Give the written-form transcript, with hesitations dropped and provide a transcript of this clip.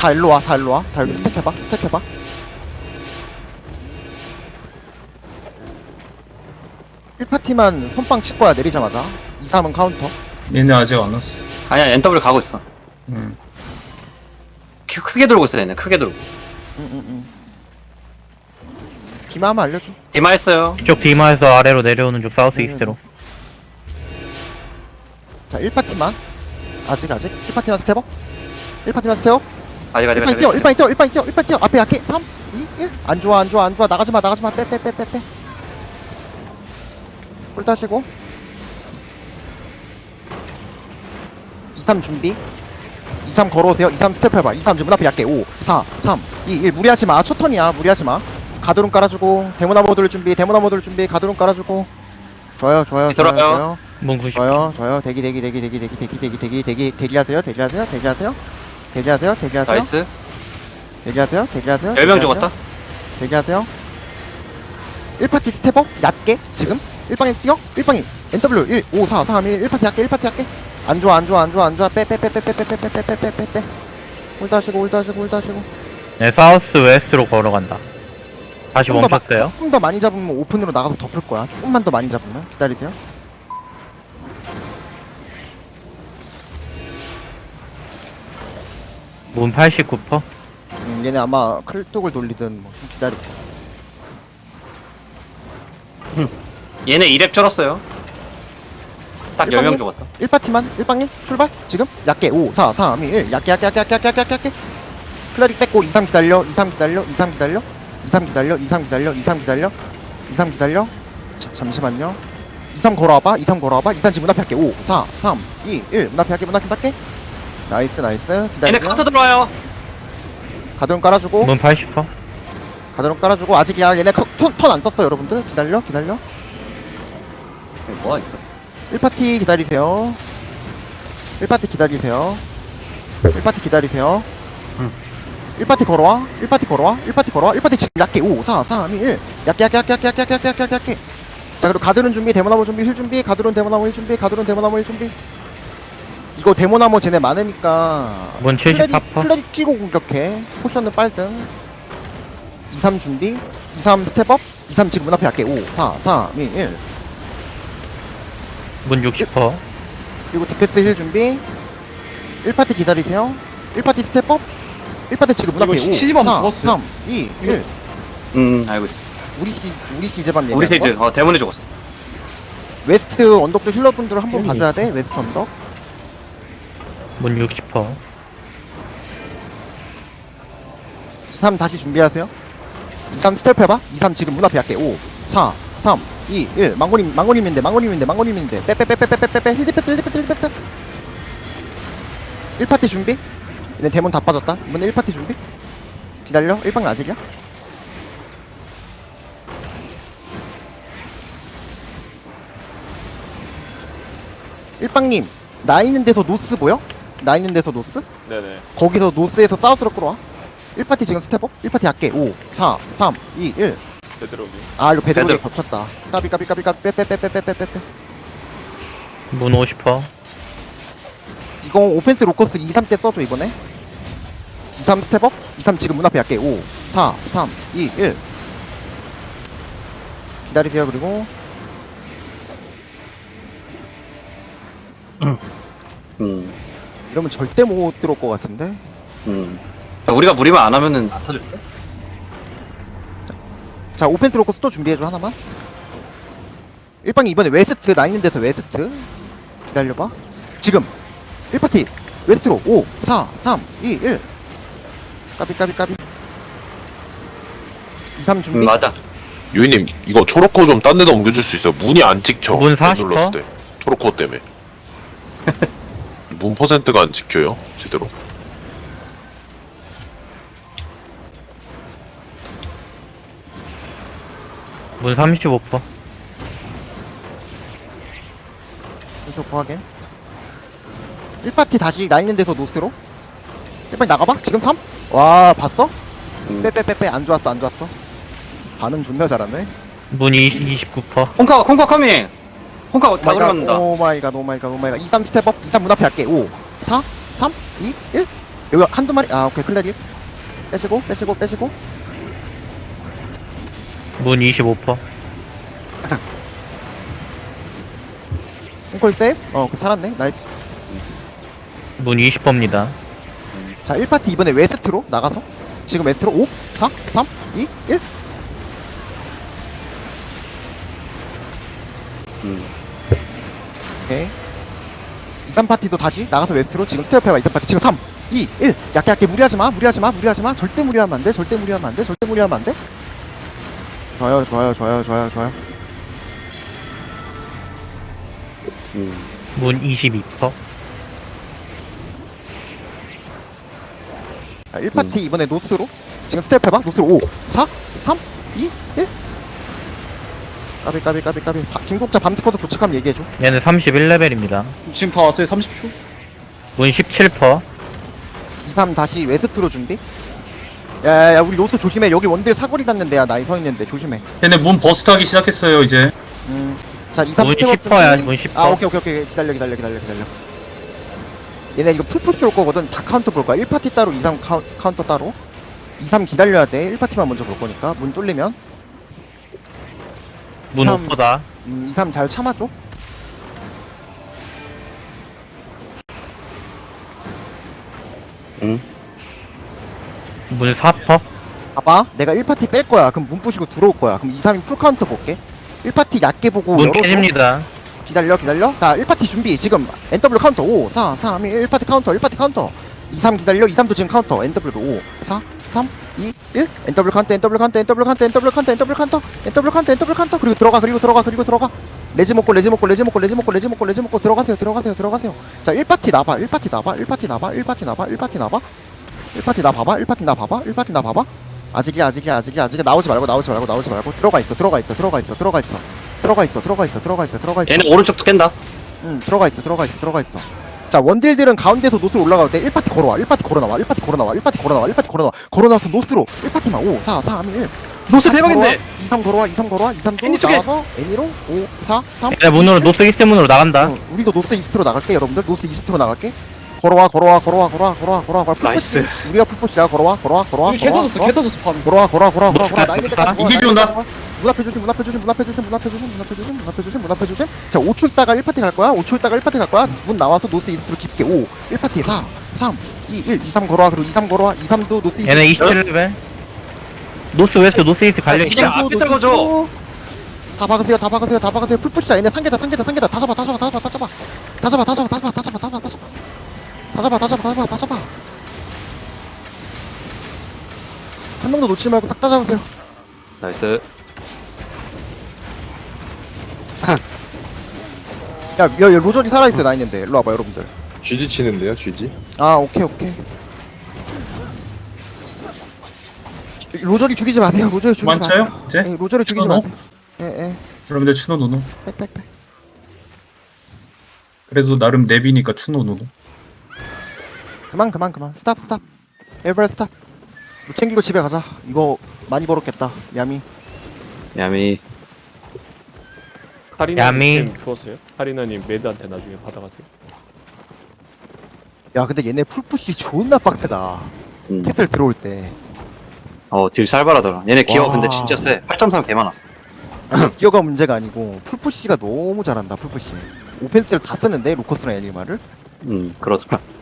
다 일로 와, 다 일로 와. 다 여기 스택 해봐, 스택 해봐. 일파티만 손빵 칠 거야, 내리자마자. 2, 3은 카운터. 얘네 아직 안 왔어. 아니야 NW 가고 있어. 응. 크게 돌고 있어 얘네. 크게 돌고. 디마 한번 알려줘. 디마 했어요. 이쪽 디마에서 아래로 내려오는 쪽 사우스 이스트로. 자, 1파티만. 아직. 1파티만 스텝업. 1파티만 스텝업. 아직 1파티 뛰어, 1파티 뛰어, 1파티 뛰어, 1파티 뛰어. 앞에 약해. 3, 2, 1. 안 좋아. 나가지 마. 빼. 홀 따시고. 2, 3 준비. 2, 3 걸어오세요. 2, 3 스텝 해봐. 2, 3 지금 문 앞에 약게. 5, 4, 3, 2, 1. 무리하지 마. 첫 턴이야. 무리하지 마. 가드론 깔아주고. 데모나 모듈 준비. 가드론 깔아주고. 좋아요. 들어가요. 문 90. 좋아요. 대기 하세요. 나이스. 대기하세요. 10명 죽었다. 대기하세요. 1파티 스텝업 얕게 지금 1방에 뛰어. 1방에 NW 1 5 4 3 1 1파티 얕게. 안 좋아. 빼. 홀드 하시고. 네, 사우스 웨스트로 걸어간다. 다시 멈췄어요. 조금 더 많이 잡으면 오픈으로 나가서 덮을 거야. 조금만 더 많이 잡으면 기다리세요. 문 89%. 얘네 아마 클뚝을 돌리든 뭐 좀 기다려. 얘네 2렙 쩔었어요. 딱 10명 죽었다. 1파티만 1방에 출발 지금 얕게 5 4 3 2 1 얕게 클라릭 뺏고 2, 3 기다려 2, 3 기다려. 자, 잠시만요. 2, 3 걸어와봐 2, 3 지금 문 앞에 할게. 5 4 3 2 1 문 앞에 할게. 나이스 기다려. 얘네 카트 들어와요. 가드론 깔아주고 문 80%. 아직이야. 얘네 턴 안 썼어. 여러분들 기다려. 이거 뭐야 이거. 1파티 기다리세요. 1파티 기다리세요. 1파티 걸어와. 1파티 지금 약게 5 4 3 2 1 약게. 자, 그리고 가드론 준비, 데모나무 준비, 힐 준비, 가드론 데모나무 힐 준비. 이거 데모나무 쟤네 많으니까 문 74%. 클레릭 끼고 공격해. 포션은 빨등. 2, 3 준비. 2, 3 스텝업. 2, 3 지금 문 앞에 약게 5 4 3 2 1 문 60%. 그리고 디펜스 힐 준비. 1파티 기다리세요. 1파티 스텝업. 1파티 지금 문 앞에 5 시즈밤 4 죽었어요. 3 2 1 알고 있어. 우리 시제밤 우리 얘기하는 세이즈 거? 대문에 죽었어. 웨스트 언덕도 힐러분들 한번 봐줘야 돼. 웨스트 언덕. 문 60%. 3 다시 준비하세요. 2, 3 스텝 해봐. 2, 3 지금 문 앞에 할게. 5 4 3 2 1 망고님인데 빼. 힐디패스 1파티 준비. 얘네 데몬 다 빠졌다. 이번에 1파티 준비. 기다려. 1방 아직이야. 일방님 나 있는 데서 노스 보여? 네네. 거기서 노스에서 사우스로 끌어와. 1파티 지금 스텝업. 1파티 할게. 5 4 3 2 1 되도록이. 아, 이거 배드로이 배드. 겹쳤다. 빼. 문 50%. 이거 오펜스 로커스 2, 3 때 써줘 이번에. 2, 3 스텝업. 2, 3 지금 문 앞에 할게. 5 4 3 2 1 기다리세요. 그리고 이러면 절대 못 들어올 것 같은데. 우리가 무리만 안 하면은 안 터질 때. 자, 오펜스 로커스 또 준비해줘 하나만. 1방이 이번에 웨스트 나 있는 데서 웨스트 기다려봐. 지금 1파티 웨스트로 5 4 3 2 1 까비 2, 3 준비. 맞아. 유이님 이거 초록코 좀 딴 데다 옮겨줄 수 있어요? 문이 안 찍혀. 문 안 40%? 눌렀을 때 초록코 때문에 문 퍼센트가 안 찍혀요 제대로. 문 35%. 계속 확인. 1파티 다시 나 있는 데서 노스로. 1파티 나가봐. 지금 3? 와, 봤어? 빼. 안 좋았어. 반응 존나 잘하네. 문 29%. 콩카 커밍. 콩카 다 그려맞는다. 오 마이 갓. 2, 3 스텝업. 2, 3 문 앞에 할게. 5 4 3 2 1 여기 한두 마리 아 오케이 클레리 빼시고 문 25%. 콩콜 세이브 그 살았네 나이스. 문 20%입니다. 자 1파티 이번에 웨스트로 나가서 지금 웨스트로 5 4 3 2 1 오케이 2, 3파티도 다시 나가서 웨스트로 지금 스텝 해봐 2, 3파티 지금 3 2 1 약게 무리하지마 절대 무리하면 안돼 좋아요 문 22%. 자 1파티 이번에 노스로 지금 스텝 해봐 노스로 5 4 3 2 1 까비 중국자 밤스쿼드 도착하면 얘기해줘. 얘는 31레벨입니다. 지금 다 왔어요 30초? 문 17%. 2, 3 다시 웨스트로 준비. 야야야 우리 노스 조심해. 여기 원딜 사거리 닿는 데야. 나이 서 있는데 조심해. 얘네 문 버스트 하기 시작했어요 이제. 자 2, 3 문 스텝업 10%야, 준비. 문 10%. 아 오케이 기다려. 얘네 이거 풀푸시 올 거거든. 다 카운터 볼 거야. 1파티 따로 2, 3 카운터 따로. 2, 3 기다려야 돼. 1파티만 먼저 볼 거니까. 문 뚫리면 문 3. 5%다. 2, 3 잘 참아줘. 문 4%. 봐봐. 내가 1파티 뺄 거야. 그럼 문 부시고 들어올 거야. 그럼 2, 3이 풀 카운터 볼게. 1파티 얕게 보고 문 열어줘. 깨집니다. 기다려. 자, 1파티 준비. 지금 NW 카운터 5, 4, 3, 1, 1파티 카운터. 2, 3 기다려. 2, 3도 지금 카운터. NW도 5, 4, 3, 2, 1. NW 카운터. 그리고 들어가. 레지 먹고 들어가세요. 자, 1파티 나봐. 1파티 나 봐봐. 아직이야. 나오지 말고. 들어가 있어. 얘네 오른쪽도 깬다. 들어가 있어. 자, 원딜들은 가운데서 노스로 올라갈 때 1파티 걸어와. 1파티 걸어 나와서 노스로 1파티만 5, 4, 3, 1. 노스 대박인데. 2, 3 걸어와. 2삼도 애니 쪽에. 나와서 애니로 5, 4, 3. 얘네 문으로, 노스 이스트 문으로 나간다. 우리도 노스 이스트로 나갈게, 여러분들. 노스 이스트로 나갈게. 걸어와. 나이스. 우리가 풀푸시야. 걸어와. 개 터졌어 판. 걸어와. 나이데까지 이기지 온다. 문 앞에 조심. 자, 5초 있다가 1파티 갈 거야. 문 나와서 노스 이스트로 깊게 5, 1파티 4, 3, 2, 1, 2, 3 걸어와. 그리고 2, 3 걸어와. 2, 3도 노스 이스트. 얘네 27레벨. 노스 웨스트, 노스 이스트 갈려 그냥 있다. 앞에 떨궈줘. 다 박으세요. 풀푸시야. 얘네 상계다. 다 잡아. 한 명도 놓치지 말고 싹 다 잡으세요. 나이스. 야, 로저리 살아있어. 나 있는데. 일로 와봐, 여러분들. 쥐지 치는데요, 쥐지? 아, 오케이. 로저리 죽이지 마세요. 많죠요 이제? 예, 로저리 죽이지 추노노? 마세요. 예. 여러분들 추노 노노. 빽. 그래도 나름 내비니까 추노 노노. 그만. 스탑. 에브리 스탑. 못 챙기고 집에 가자. 이거 많이 벌었겠다. 야미. 카리나님 주웠어요? 카리나님 매드한테 나중에 받아가세요. 야, 근데 얘네 풀푸시 존나 빡세다. 캐슬 들어올 때. 딜 살벌하더라. 얘네 기어 와. 근데 진짜 세. 8.3 개 많았어. 기어가 문제가 아니고 풀푸시가 너무 잘한다. 풀푸시. 오펜스를 다 쓰는데 로커스랑 애니마를. 그러더라.